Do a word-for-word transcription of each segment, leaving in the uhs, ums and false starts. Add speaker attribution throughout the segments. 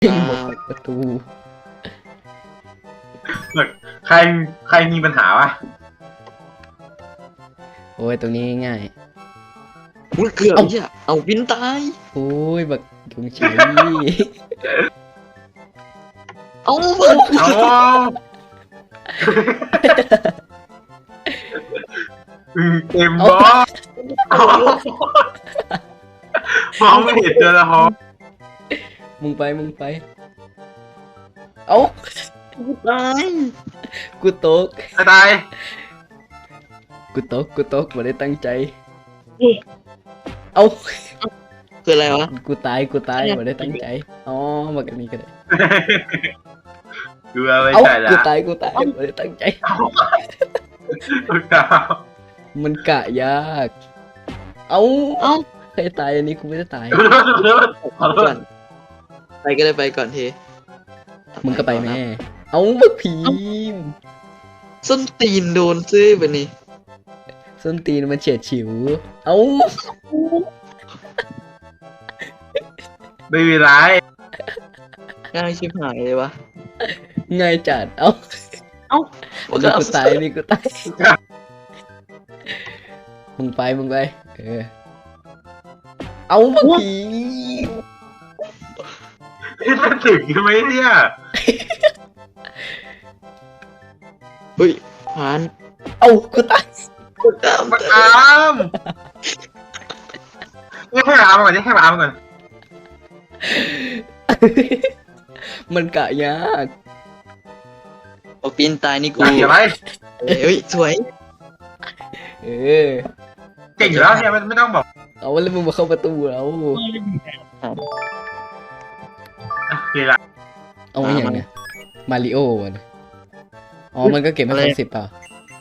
Speaker 1: อ่า
Speaker 2: หมดประตู
Speaker 3: ใครใครมีปัญหาวะ
Speaker 2: โอ้ยตรงนี้ง่าย
Speaker 1: อุ้ยเกือบ
Speaker 2: เอ้า
Speaker 1: เหี้ยเอาวินตาย
Speaker 2: โอ้ยบักยุงชัย
Speaker 1: เอาเปิด
Speaker 3: เอาอืมเต็มบอสเอามองไม่เห็นเจอละฮอ
Speaker 2: มึงไปมึงไป เอ้า
Speaker 1: ตาย
Speaker 2: กูตก
Speaker 3: กระตาย
Speaker 2: กูตกกูตกไม่ได้ตั้งใจ เอ้า
Speaker 1: คืออะไรวะ
Speaker 2: กูตายกูตายไม่ได้ตั้งใจอ๋อบักอันนี้ก็ได้
Speaker 3: ดูเอาไว้
Speaker 2: เอ้า
Speaker 3: ใช่ละ
Speaker 2: กูตายกูตายไม่ได้ตั้งใจ
Speaker 3: ลูกดาว
Speaker 2: มันกะยาก เอ้า
Speaker 1: เอ้า
Speaker 2: ใครตายอันนี้กูไม่ได้ตาย
Speaker 3: ขอโท
Speaker 1: ก่อ
Speaker 3: ษ
Speaker 1: นไปก็ได้ไปก่อนเท
Speaker 2: มึงก็ไปแม่ เอ้าบักผีม
Speaker 1: ส้นตีนโดนซื้อไปนี่
Speaker 2: ส้นตีนมันเฉียดฉิว เอ้า
Speaker 3: ไม่มีไร
Speaker 1: ง่ายชิบหายเลยวะ
Speaker 2: ง่ายจัด เอ้า
Speaker 1: เอ้า
Speaker 2: อันนี้กูตายอันนี้กูตาย มึงไปมึงไป เออ เอาบักผี
Speaker 3: นี่จะถึงไหมเนี่ย
Speaker 1: เฮ้ยผ่าน
Speaker 2: เอากูตาย
Speaker 1: กดตาม
Speaker 3: มาอามนี่ให้อามก่อนนี่ให้อามก่อน
Speaker 2: มันกะยาก
Speaker 1: เอาปีนตายนี่กู
Speaker 3: เดี๋ยวไป
Speaker 1: เฮ้ยสวย
Speaker 2: เออ
Speaker 3: เก่งอยู่แล้วเนี่ยไม่ต้องบอก
Speaker 2: เอาแล้วมึงมาเข้าประตูแล้ว
Speaker 3: เก่งละ
Speaker 2: เอาไว้อย่างเนี้ยมาริโอวะอ๋อ มันก็เก็บไม่ครบสิบเปล่า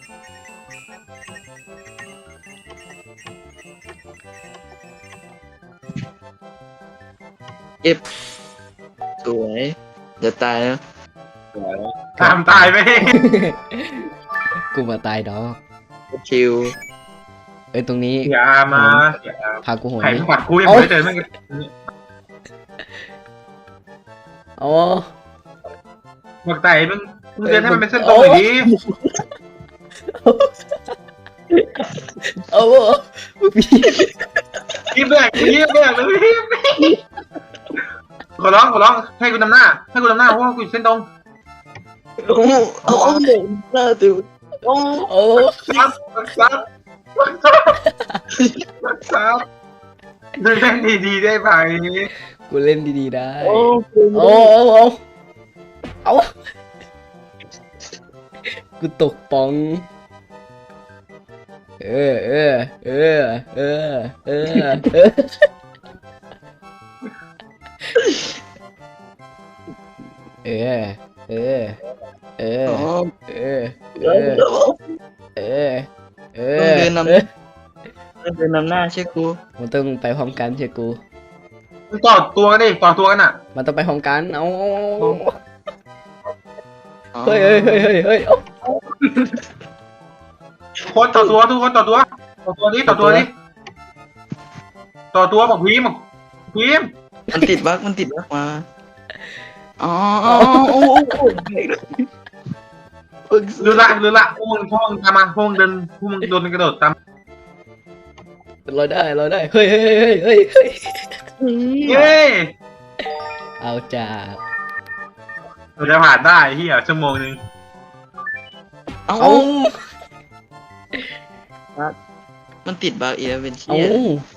Speaker 1: สวยอย่าตายนะ
Speaker 3: ตามตายไป
Speaker 2: กูมาตายดอก
Speaker 1: ชิว
Speaker 2: เอ้ยตรงนี้
Speaker 3: เสียอามาเสียอา
Speaker 2: พากูโหน
Speaker 3: ไข่
Speaker 2: ดิ
Speaker 3: ขวัดกูยังไม่เจอไม่
Speaker 2: อ๋อ
Speaker 3: บอกไต่มึงมึงเดินให้มันเป็นเส้นตรงหน่อยดิ
Speaker 2: เอาผี
Speaker 3: ยิ้มแบกยิ้มแบกเลยขอร้องขอร้องให้กูนำหน้าให้กูนำหน้าเพราะว่ากูอยู่เส้นตรง
Speaker 1: โอ้เอาเอาหนึ่งหน้าติวโอ้
Speaker 2: โอ้
Speaker 3: ซับซับซับดูเล่นดีๆได้ไหม
Speaker 2: กูเล่นดีๆได้
Speaker 1: โอ้
Speaker 2: โอ้โอ้โอ้เอากูตกปอง เออเออเออเออเออเออเออเออเออ
Speaker 1: โอ้
Speaker 2: เออเอ
Speaker 1: เอ
Speaker 2: อ
Speaker 1: อ
Speaker 2: เออเอ
Speaker 1: ต้อง
Speaker 2: อ
Speaker 1: เดินนำ
Speaker 2: เออ
Speaker 1: เดินนำหน้าใช่กู
Speaker 2: มันต้องไปพร้อมกันเชียกู
Speaker 3: มึงต่อตัวกันดิต่อตัวกันอ่ะ
Speaker 2: มันต้องไปพร้อมกันเอา
Speaker 1: อ๋อ
Speaker 2: เฮ้ยเฮ้ยเฮ้ยเฮ้ยเฮ้ยเอา
Speaker 3: คนต่อตัวทุกคนต่อตัวต่อตัวนี้ต่อตัวนี้ต่อตัวบอกพีมบอกพีม
Speaker 1: มันติดบั๊กมันติดบั๊กมาอ๋ออ๋อโอ้โห
Speaker 3: รู้ละรู้ละพวกมึงพวกมึงตามมาพวกมึงเดินพวกมึงโดนกระโดดตาม
Speaker 2: เราได้เราได้เฮ้ยเฮ้ยเฮ้ยเฮ้ยเฮ้ย
Speaker 3: เย้
Speaker 2: เอาจ้า
Speaker 3: เราจะผ่านได้ที่อ่ะชั่วโมงนึง
Speaker 1: เอา
Speaker 2: เอา
Speaker 1: มันติดบั๊กอีกแล้วเป็น
Speaker 2: เอา
Speaker 1: เชี่ย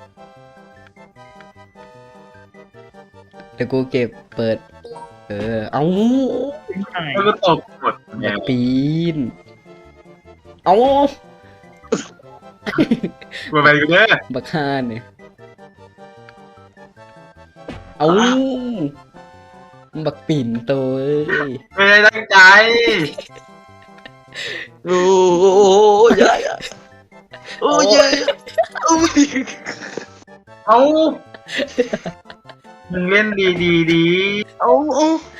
Speaker 2: เดี๋ยวกูเก็บเปิด เออเอา
Speaker 3: แล้วก็ตกหมด
Speaker 2: บักปีนเอา
Speaker 3: มาไปกันเด้อ
Speaker 2: บักฮานเนี่ยเอาบักปิ่นโตเอ้ย
Speaker 3: ไม่ได้ตั้งใจ
Speaker 1: โอ้ยยยโอ้ยยโอ้ย
Speaker 3: เอามึงเล่นดีดีดี
Speaker 1: เอาเอา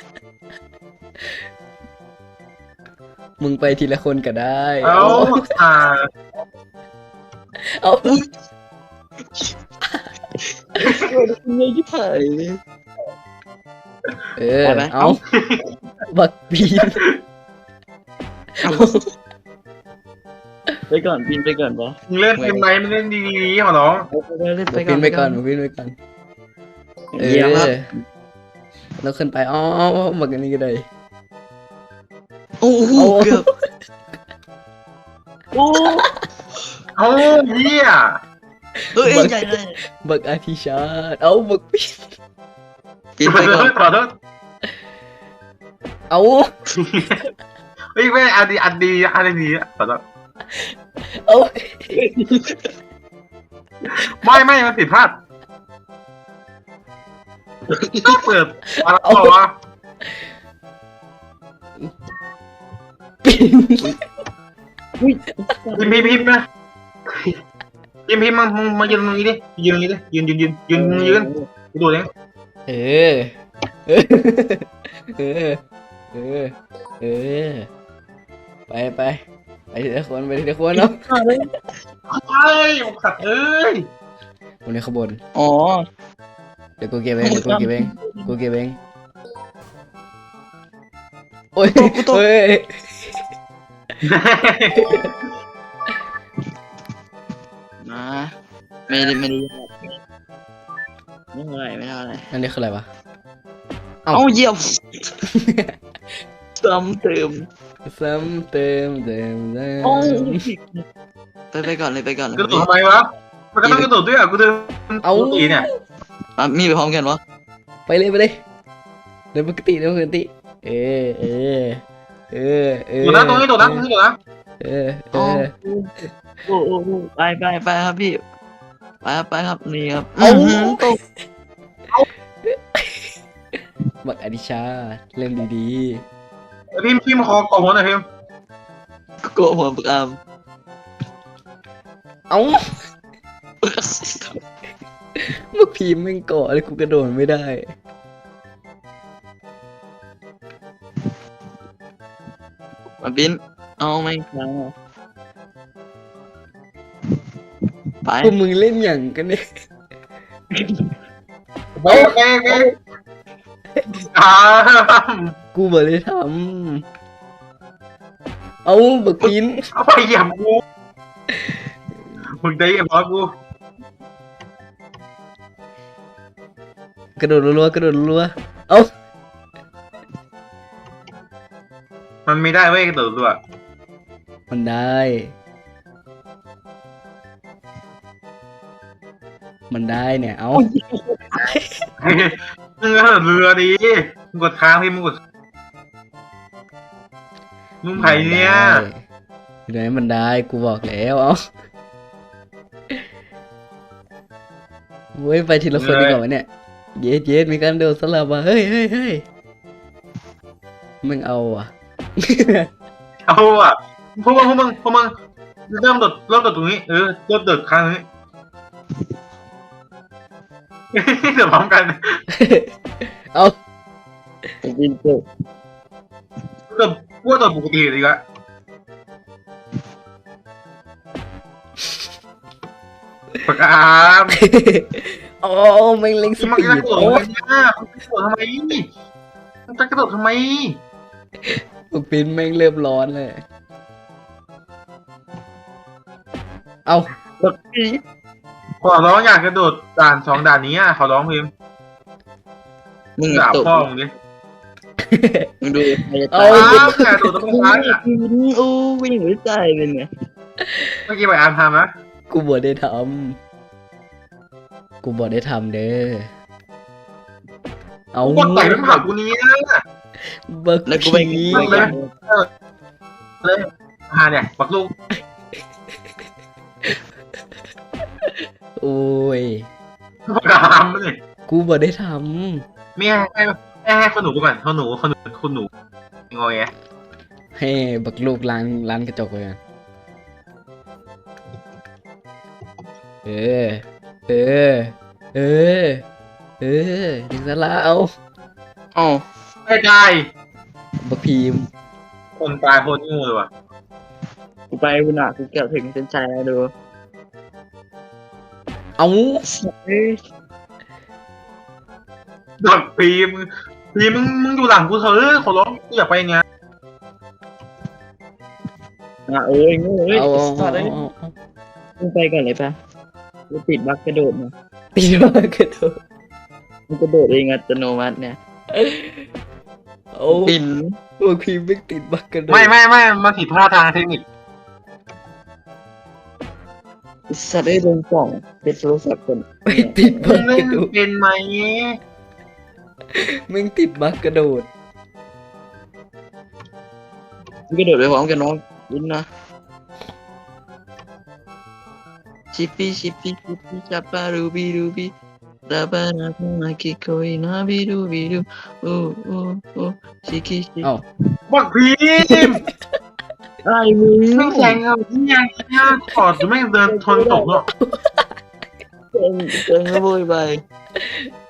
Speaker 2: มึงไปทีละคนก็ได้
Speaker 3: เอาอ่า
Speaker 2: เอา
Speaker 1: เฮ้ยที่ผ่านเลย
Speaker 2: เออ
Speaker 1: ไปไหม
Speaker 2: เอาบักปีน
Speaker 1: ไปก่อนบินไปก่อนปะ
Speaker 3: มึงเล่นเกมไหนมึงเล่นดีๆขอร้อง
Speaker 1: เล่น
Speaker 2: บักปีนไปก่อนบักปีนไปก่อนเอ
Speaker 1: เยี่ยมครับ
Speaker 2: อเราขึ้นไปอ๋อบักอันนี้ก็ได้
Speaker 1: โอ้โห
Speaker 2: เอา
Speaker 1: เกือบโอ้
Speaker 3: เอ้าเฮีย
Speaker 1: เอ้ยใหญ่เลย
Speaker 2: บักอาทิชาติเอาบักปีน
Speaker 1: บิน
Speaker 3: ข
Speaker 1: ไป
Speaker 3: อโท
Speaker 1: ก่อน
Speaker 3: ษขอโทษ
Speaker 2: เอา
Speaker 3: เฮ้ยไม่อันดีอันดีอันดีขอโทษ
Speaker 2: เอา
Speaker 3: ไม่ไม่มันผิดพลาดเปิดอะไรต่อวะ
Speaker 2: ปีน
Speaker 3: พิมพ์พิมพ์พิมพ์นะพิมพ์พิมพ์มามามายืนตรงนี้ดิยืนตรงนี้ดิยืนยืนยืนยืนยืนกูดูเลย
Speaker 2: เออเออเออเออเออไปไปไปทีละคนไปทีละคนเนาะ
Speaker 3: เอ้ยสัตว์เอ้ย
Speaker 2: คนในขบวน
Speaker 1: อ๋อ
Speaker 2: เดี๋ยวกูเก็บเองเดี๋ยวกูเก็บเองกูเก็บเองโอ้ยเฮ้ย
Speaker 1: มาไม่ได้ไม่ได้ไม่เท่าไหร่ไม่เท่าไหร่
Speaker 2: อันนี้คืออะไรวะ
Speaker 1: เอ้าเยี่ยมซ้ำเติม
Speaker 2: ซ้ำเติมเติมเติม
Speaker 1: โอ้ไปไปก่อนเลยไปก่อนเลย
Speaker 3: กระโดดทำไมวะมันก็ต้องกระโดดด้วยอ่ะกูเดิน
Speaker 2: เอา
Speaker 3: ตีเนี่ย
Speaker 1: อ่ะมีไปพร้อมกันวะ
Speaker 2: ไปเลยไปเลยเดินปกติเดินปกติเออเออเออเออ
Speaker 3: โดดนะตรงนี้โดดนะตรงนี้โดดนะ
Speaker 2: เออเออ
Speaker 1: โอ้โอ้โอ้ไปไปไปครับพี่ไปครับไปครับนี่ครับ
Speaker 2: เอา
Speaker 1: หืมตก
Speaker 2: บักอดิชาเล่นดี
Speaker 3: พิมพ์พิมพ์คอกล่องหัวหน่อยพิมพ์
Speaker 1: โกะหัวปากอาม
Speaker 2: ๆเอ้าเมื่อพีมแม่งเกาะเลยกูกระโดดไม่ได้
Speaker 1: มาบินเอาไม่ครับไป
Speaker 2: พวกมึงเล่นอย่างกันเนี่ย
Speaker 3: โอเคโอเคอ่า
Speaker 2: กูบอกเลยทำเอาบักปีน
Speaker 3: เอาไปเหยียบกูมึงได้เหยียบร้อยกู
Speaker 2: กระโดดรัวๆกระโดดรัวๆเอา
Speaker 3: มันไม่ได้เว้ยกระโดดด้วย
Speaker 2: มันได้ มันได้เนี่ยเอา
Speaker 3: มึงกระโดดเรือดีมึงกดค้างพี่มึงกดมึงไผ่เนี่ย
Speaker 2: เดี๋ยวให้มันได้กูบอกแล้วเอาเว้ยไปทีละคนดีกว่าวะเนี่ยเย็ดเย็ดมีการโดดสลับว่ะเฮ้ยเฮ้ยเฮ้ยมึงเอาอ่ะ
Speaker 3: เอาอ่ะพวกมึงพวกมึงพวกมึงเริ่มโดดเริ่มโดดตรงนี้เออเริ่มโดดค้างตรงนี้ เดี๋ยวพร้อมกัน
Speaker 2: เอา
Speaker 1: บินตก
Speaker 3: เริ่มพวกโดดปกติดีกว่าปากกาม
Speaker 2: โอ้แม่งเล็งส
Speaker 3: มัน
Speaker 2: ปี
Speaker 3: จะ
Speaker 2: ด
Speaker 3: กระโดด
Speaker 2: โอ้
Speaker 3: ทำไมเนี่ยมันจะกระโดดทำไมมันจะกระโดดทำไม
Speaker 2: บักปีนแม่งเริ่มร้อนเลยเอา
Speaker 1: บักปี
Speaker 3: ขอร้องอยากกระโดดด่านสองด่านนี้อ่ะขอร้องพิมพ์
Speaker 1: มึง
Speaker 3: ด่า
Speaker 1: ตก
Speaker 3: พ่อมึงดิ
Speaker 1: มึงดูใครจะ
Speaker 2: เอา
Speaker 1: ตาย
Speaker 3: อ้าวแกโดดตรงกลางอ่ะ
Speaker 1: โอ้วิ่งหัวใจเป็นไง
Speaker 3: เมื่อกี้ไปอ่านทำนะ
Speaker 2: กูบอกได้ทำกูบอกได้ทำเด้อเอา
Speaker 3: กูกดต่อยไม่ผ่านกูนี้นะ
Speaker 2: บัก
Speaker 1: แล้วกูไป
Speaker 2: ผี
Speaker 1: ไปกัน
Speaker 3: เลยหาเนี่ยปักลูก
Speaker 2: โอ้ย
Speaker 3: ปากกามเลย
Speaker 2: กูบอกได้ท
Speaker 3: ไม่ให้ให้ให้ให้คนหนูกูก่อนคนหนูคนหนูคนหนูงอแง
Speaker 2: ำให้บักลูกล้างล้างกระจกเลยกันเออ เออ เออ เออถึงสละเอา
Speaker 1: อ๋อ
Speaker 3: ไม่ได้
Speaker 2: บักพีม
Speaker 3: คนตายโคตรงูเลยว่ะ
Speaker 1: กูไปกูหนักกูเกือบถึงเส้นชัยแล้วดู
Speaker 2: เอา
Speaker 1: เฮ้ย
Speaker 3: ดอกพีมพีมึงมึงอยู่หลังกูเถอะขอร้องกูอยากไปอย่างเงี้ย
Speaker 1: อ่ะเอ้ยงูเอ้ย
Speaker 2: เอาเอา
Speaker 1: สัตว์
Speaker 2: เอา
Speaker 1: เอ้ย
Speaker 2: เอาเอา
Speaker 1: มึงไปก่อนเลยปะกูติดบักกระโดดมา
Speaker 2: ตีมากระโดด
Speaker 1: มึงกระโดดเองอัตโนมัติเนี่ย
Speaker 2: โอ้
Speaker 1: ปิน
Speaker 2: พวกพี่ไม่ติดบักกระโดด
Speaker 3: ไม่ไม่ไม่มาผิดพลาดทางเทคนิค
Speaker 1: สัตว์ได้ลงกล่องเป็นโทรศัพท์คน
Speaker 2: ไม่ติด
Speaker 3: มึ
Speaker 2: บั
Speaker 3: ง
Speaker 2: ก
Speaker 3: เล่
Speaker 2: ก
Speaker 3: น
Speaker 2: ระโดด
Speaker 3: เป็นไหม
Speaker 2: มึงติดบักกระโดด
Speaker 1: มึงกระโดดไปพร้อมกันน้องวินนะชิปปี้ชิปปี้ชิปปี้จับปารูบีรูบีตาบานาคาคิโกยนาบีรูบีรูโอ้โอ้โอ้ชิคิชิ
Speaker 2: เอ้า
Speaker 3: บักพีม
Speaker 1: ไอ้มึง
Speaker 3: ไม่แข่งกับที่ยังเนี่ยกอดจะไม่งเดินทนตกหรอก
Speaker 1: เจ๋งเจ๋งขโมยไป